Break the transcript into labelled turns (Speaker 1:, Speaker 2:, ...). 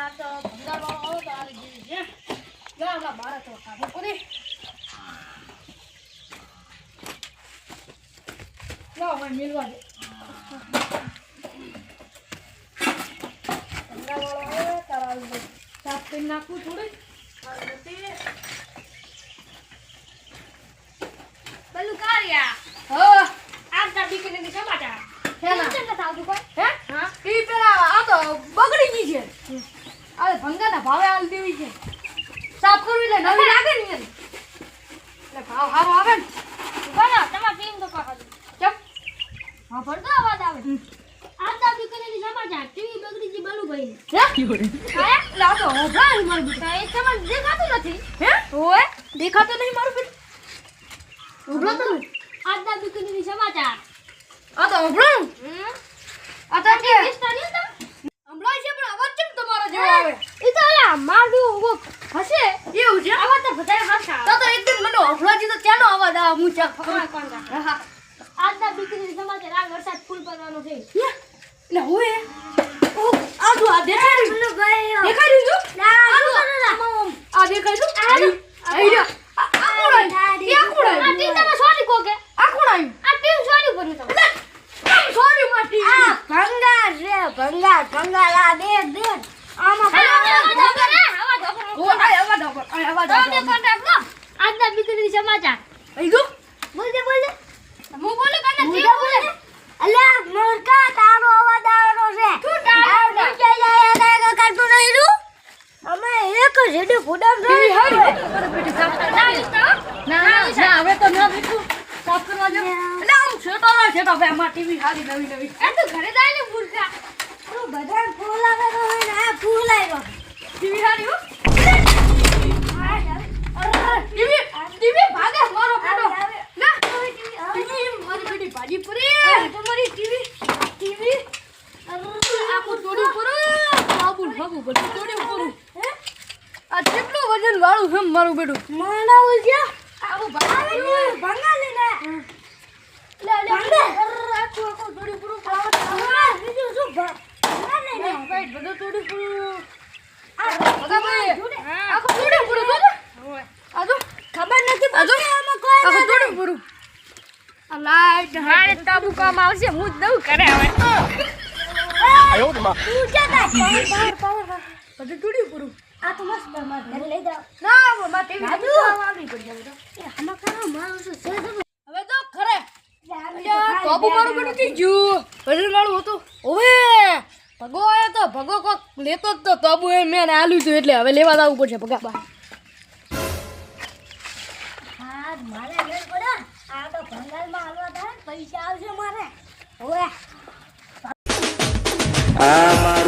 Speaker 1: આ તો ભંગારવાળો આવો તો આવી ગઈ છે જા આપણા બાર તો કાઢો પૂરી લાવ મને મિલવા દે ભંગારવાળો આવે તારા આવી સાફ કરી નાખું થોડી
Speaker 2: બલુ કારિયા
Speaker 1: હા
Speaker 2: આટલા દીકરીની સમાચાર
Speaker 1: હેના
Speaker 2: કેમ નથી આવતું કોઈ
Speaker 1: હે હા ઈ પેલા આ તો બગડી ગઈ છે આ ભંગાના ભાવે આલ દેવી છે સાફ કરવી એટલે નવી લાગે ને એટલે ભાવ સારો આવે ને
Speaker 2: બનો તમાર ટીમ તો કહો
Speaker 1: ચપ
Speaker 2: હા પડતો અવાજ આવે આટલા દીકરીની સમાચાર ટીવી બગડી ગઈ બલુભાઈ
Speaker 1: હે હે લા તો હોભળાય મારું બેટા
Speaker 2: એ તમને દેખાતું નથી
Speaker 1: હે ઓય દેખાતો નહીં મારું બેટા હોભળાતો નહીં
Speaker 2: આટલા દીકરીની સમાચાર
Speaker 1: આ તો હોભળાયું આ તો કે
Speaker 2: કિસ્તાની હતા
Speaker 1: હમણાં છે પણ અવાજ કેમ તમારો જેવો આવે
Speaker 2: ઈ તો અલા મારું હશે
Speaker 1: એવું છે
Speaker 2: આવા તો બધાય હસા
Speaker 1: તો એકદમ મને હોભળાજી તો ત્યાંનો અવાજ આવે હું ચા
Speaker 2: કોણ કોણ
Speaker 1: હા
Speaker 2: આટલા દીકરીની સમાચાર આ વરસાદ ફૂલ પડવાનો છે
Speaker 1: એટલે હોય ઓ આ જો આ દેખાડ્યું દેખાડ્યું જો આ દેખાડ્યું આઈ આ કોણ
Speaker 2: આ ટીમ તમે સોરી કો કે
Speaker 1: આ કોણ આવ્યું
Speaker 2: આ ટીમ સોરી કર્યું તમે
Speaker 1: સોરી માટી
Speaker 3: ભંગાર રે ભંગાર આ દે આમાં
Speaker 1: ઓ આ અવાજ
Speaker 2: તમે કોન્ટ્રાક્ટ લો આજના દીકરીની સમાચાર
Speaker 1: આઈ ગયો
Speaker 2: બોલ દે હું બોલું કાને
Speaker 3: હું
Speaker 2: જી
Speaker 3: તો
Speaker 2: બોલે
Speaker 3: અલ્યા મોરકા તારો અવાજ આવવાનો છે
Speaker 2: તું ડાળો
Speaker 3: કરતું નહીં તું અમે એક જેડે ફોડમ
Speaker 1: ટીવી હારી બેટી સાફ
Speaker 2: ના તો
Speaker 1: ના હવે તો ના બીજું સાફ કરવા જો એટલે આમ છેટો ના છેટો ભાઈ અમાર ટીવી હારી નવી
Speaker 2: એ તું ઘરે જાય ને મૂર્ખા
Speaker 3: તું બધા ફૂલ આવેલો હોય ને આ ફૂલ આવ્યો
Speaker 1: ટીવી હારી હો ટીવી ભાગે મારો બેટો ના ટીવી મારી બેટી ભાજી પૂરી તમારી ટીવી આખું તોડી પૂરું બાબુ બધું તોડી પૂરું આ કેટલું વજન વાળું છે મારું બેટું
Speaker 3: માના ઉજ્યા
Speaker 1: આવું
Speaker 3: ભંગાર લેને
Speaker 1: લે આખું તોડી પૂરું
Speaker 3: બીજું શું ભંગાર લેને
Speaker 1: ભાઈ બધું તોડી પૂરું બધા ભાઈ આખું તોડી પૂરું તો આ જો
Speaker 3: ખબર નથી
Speaker 1: આ જો
Speaker 3: પડતી આમાં કોઈ
Speaker 1: આખું તોડી પૂરું આ લાઈટ
Speaker 2: મારે તાબુ કામ આવશે હું જ દઉં કરે હવે
Speaker 4: 哎呦我的妈！
Speaker 3: તું ક્યાં જાય
Speaker 1: બધું તોડી પૂરું
Speaker 3: આ તો મસ્ત માર ઘરે લઈ જાવ
Speaker 1: ના મારા ટીવી આવી પડી જાય બેટા
Speaker 3: એ આમાં કાનો મારો છે
Speaker 1: હવે તો ખરે બાબુ મારું બેટું કી ગયું વજન વાળું હતું ઓવે ભગો આવ્યો તો ભગો કોક લેતો જ તો તબુ એ મેં આલ્યું હતું એટલે હવે લેવા જવું પડશે ભગા બા
Speaker 3: હા મારે ઘર પડ્યો આ તો ભંગારમાં હાલવા થાય પૈસા આવશે મારે ઓએ
Speaker 4: આમાં